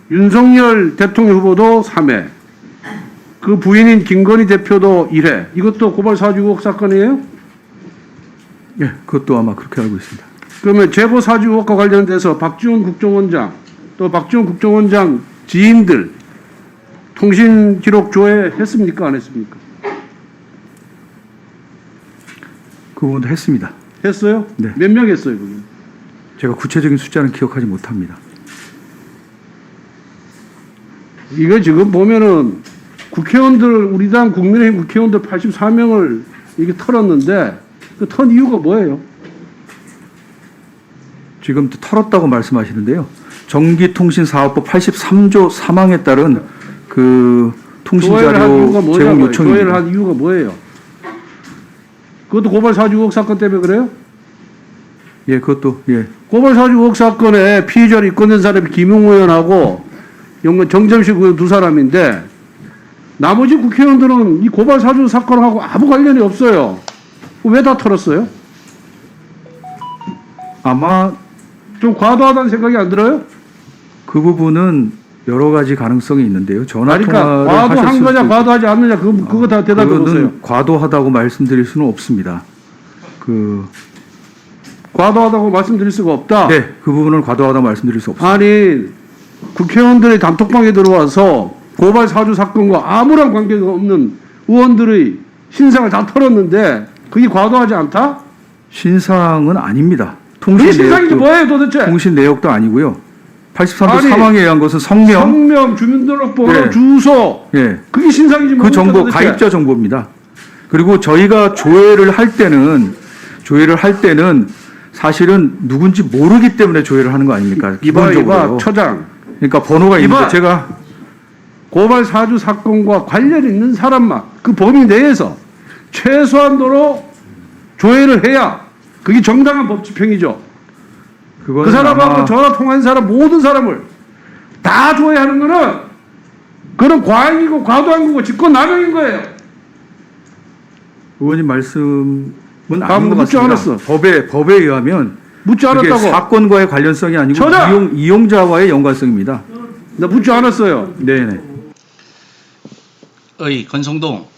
윤석열 대통령 후보도 3회, 그 부인인 김건희 대표도 1회. 이것도 고발 사주 의혹 사건이에요? 예, 그것도 아마 그렇게 알고 있습니다. 그러면 재고 사주 의혹과 관련돼서 박지원 국정원장, 또 박지원 국정원장 지인들 통신 기록 조회했습니까? 안 했습니까? 그 부분도 했습니다. 했어요? 네. 몇 명 했어요, 그게? 제가 구체적인 숫자는 기억하지 못합니다. 이거 지금 보면은 국회의원들, 우리 당 국민의힘 국회의원들 84명을 이게 털었는데 그 턴 이유가 뭐예요? 지금 털었다고 말씀하시는데요. 전기통신사업법 83조 3항에 따른 그 통신자료 제공 요청입니다. 조회를 한 이유가 뭐예요? 그것도 고발 사주 의혹 사건 때문에 그래요? 예, 그것도 예. 고발 사주 의혹 사건에 피의자로 입건된 사람이 김용호 의원하고 정점식 의원 두 사람인데 나머지 국회의원들은 이 고발 사주 사건하고 아무 관련이 없어요. 왜 다 털었어요? 아마 좀 과도하다는 생각이 안 들어요? 그 부분은 여러 가지 가능성이 있는데요. 전화 그러니까 통화를 과도한 하셨을 거냐 수도 과도하지 않느냐 그거 다 대답해 그거는 보세요. 과도하다고 말씀드릴 수는 없습니다. 과도하다고 말씀드릴 수가 없다. 네, 그 부분은 과도하다고 말씀드릴 수 없습니다. 아니 국회의원들이 단톡방에 들어와서 고발 사주 사건과 아무런 관계가 없는 의원들의 신상을 다 털었는데 그게 과도하지 않다? 신상은 아닙니다. 그게 신상이지 뭐예요 도대체? 통신 내역도 아니고요. 83조 아니, 3항에 의한 것은 성명, 주민등록번호, 네. 주소 예, 그게 신상이지 그 뭡니까 정보, 도대체? 가입자 정보입니다. 그리고 저희가 조회를 할 때는 사실은 누군지 모르기 때문에 조회를 하는 거 아닙니까? 기본적으로. 처장. 그러니까 번호가 있는데 제가 고발 사주 사건과 관련 있는 사람만 그 범위 내에서 최소한도로 조회를 해야 그게 정당한 법 집행이죠. 그 사람하고 전화 통화한 사람 모든 사람을 다 조회하는 거는 그런 과잉이고 과도한 거고 직권남용인 거예요. 의원님 말씀은 아닌 것 묻지 같습니다. 않았어. 법에 의하면 묻지 그게 않았다고. 사건과의 관련성이 아니고 이용자와의 연관성입니다. 나 묻지 않았어요. 네네. 권성동,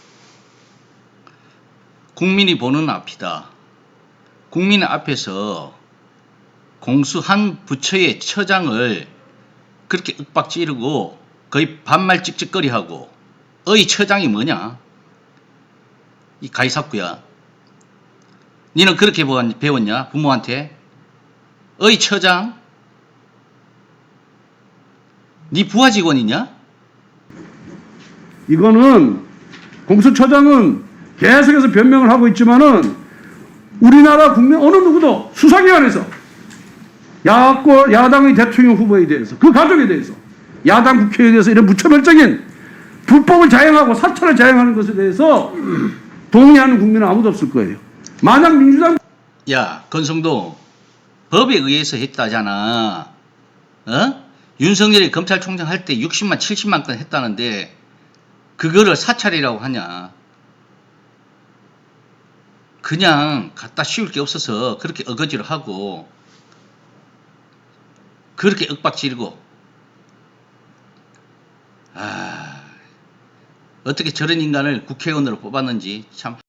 국민이 보는 앞이다. 국민 앞에서 공수 한 부처의 처장을 그렇게 윽박지르고 거의 반말 찍찍거리하고 처장이 뭐냐? 이 가이사쿠야. 니는 그렇게 배웠냐? 부모한테? 처장? 니 부하 직원이냐? 이거는 공수처장은 계속해서 변명을 하고 있지만은 우리나라 국민 어느 누구도 수사기관에서 야당의 대통령 후보에 대해서 그 가족에 대해서 야당 국회에 대해서 이런 무차별적인 불법을 자행하고 사찰을 자행하는 것에 대해서 동의하는 국민은 아무도 없을 거예요. 만약 민주당 야, 권성동, 법에 의해서 했다잖아. 윤석열이 검찰총장 할 때 60만 70만 건 했다는데 그거를 사찰이라고 하냐? 그냥 갖다 씌울 게 없어서 그렇게 어거지로 하고 그렇게 윽박지르고 어떻게 저런 인간을 국회의원으로 뽑았는지 참